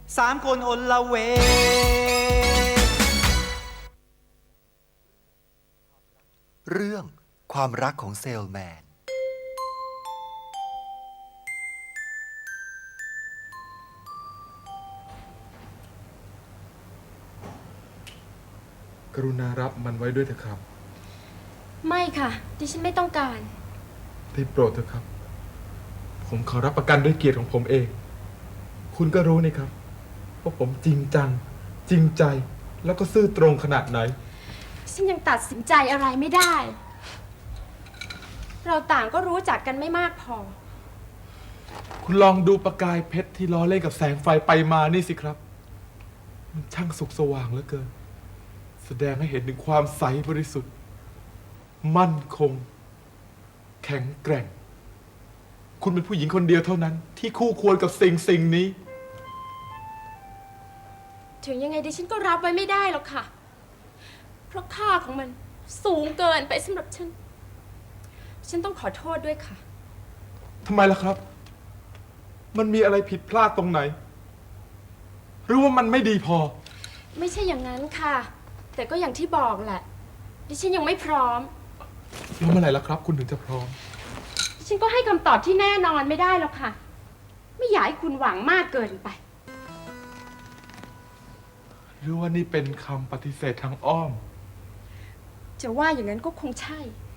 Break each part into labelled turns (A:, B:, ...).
A: 3 คนอนละเวง
B: เรื่องความรักของเซลแมน
C: กรุณารับมันไว้ด้วยเถอะครับ
D: ไม่ค่ะ ดิฉันไม่ต้องการ
C: ได้โปรดเถอะครับ ผมขอรับประกันด้วยเกียรติของผมเอง คุณก็รู้นี่ครับว่าผมจริงจัง จริงใจ แล้วก็ซื่อตรงขนาดไหน
D: ฉันยังตัดสินใจอะไรไม่ได้ เราต่างก็รู้จักกันไม่มากพอ
C: คุณลองดูประกายเพชรที่ล้อเล่นกับแสงไฟไปมานี่สิครับ มันช่างสุกสว่างเหลือเกิน แสดงให้เห็นถึงความใสบริสุทธิ์ มั่นคง แข็งแกร่ง คุณเป็นผู้หญิงคนเดียวเท่านั้น ที่คู่ควรกับสิ่งนี้
D: ถึงยังไงดิฉันก็รับไว้ไม่ได้หรอกค่ะ เพราะค่าของมันสูงเกินไปสำหรับฉัน ฉันต้องขอโทษด้วยค่ะ
C: ทำไมล่ะครับ มันมีอะไรผิดพลาดตรงไหน หรือว่ามันไม่ดีพอ
D: ไม่ใช่อย่างนั้นค่ะ แต่ก็อย่างที่บอกแหละ ดิฉันยังไม่พร้อม
C: แล้วเมื่อไหร่ล่ะครับ คุณถึงจะพร้อม
D: ดิฉันก็ให้คำตอบที่แน่นอนไม่ได้หรอกค่ะ ไม่อยากให้คุณหวังมากเกินไป
C: หรือว่านี่เป็นคำปฏิเสธทางอ้อม
D: จะว่าอย่างนั้นก็คงใช่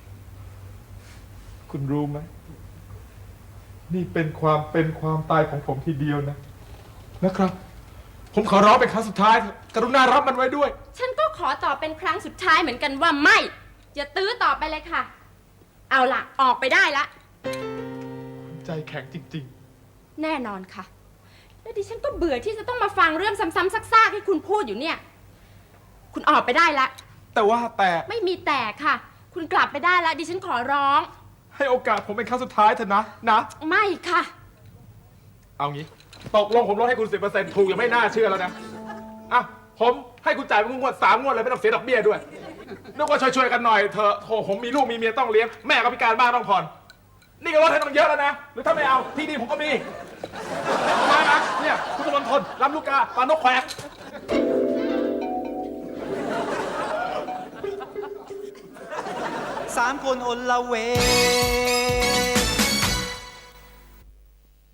C: คุณรู้ไหม นี่เป็นความตายของผมทีเดียวนะครับ ผมขอร้องเป็นครั้งสุดท้าย กรุณารับมันไว้ด้วย
D: ฉันก็ขอตอบเป็นครั้งสุดท้ายเหมือนกันว่าไม่ อย่าตื้อต่อไปเลยค่ะ เอาล่ะ ออกไปได้ละ
C: คุณใจแข็งจริง
D: แน่นอนค่ะ แล้วดิฉันก็เบื่อที่จะต้องมาฟังเรื่องซ้ำๆซากๆที่คุณพูดอยู่เนี่ย คุณออกไปได้ละ
C: ๆ แต่
D: ไม่มีแต่ค่ะ คุณกลับไปได้ละดิฉันขอร้อง
C: ให้โอกาสผมเป็นครั้งสุดท้ายเถอะนะ
D: ไม่ค่ะ
C: เอางี้ ตกลงผมลดให้คุณ 10% ถูกยังไม่น่าเชื่อแล้วนะ อ่ะ ผมให้คุณจ่ายเป็นงวด3 งวดเลยไม่ต้องเสียดอกเบี้ยด้วย นึกว่าช่วยๆกันหน่อยเถอะโถผมมีลูกมีเมียต้องเลี้ยง แม่ก็พิการบ้านต้องผ่อน นี่ก็ลดให้ต้องเยอะแล้วนะ หรือถ้าไม่เอาที่ดินผมก็มีมานะเนี่ยคุณตะวันทนลำลูกกาปานกแควก
A: 3 คนอนละเวง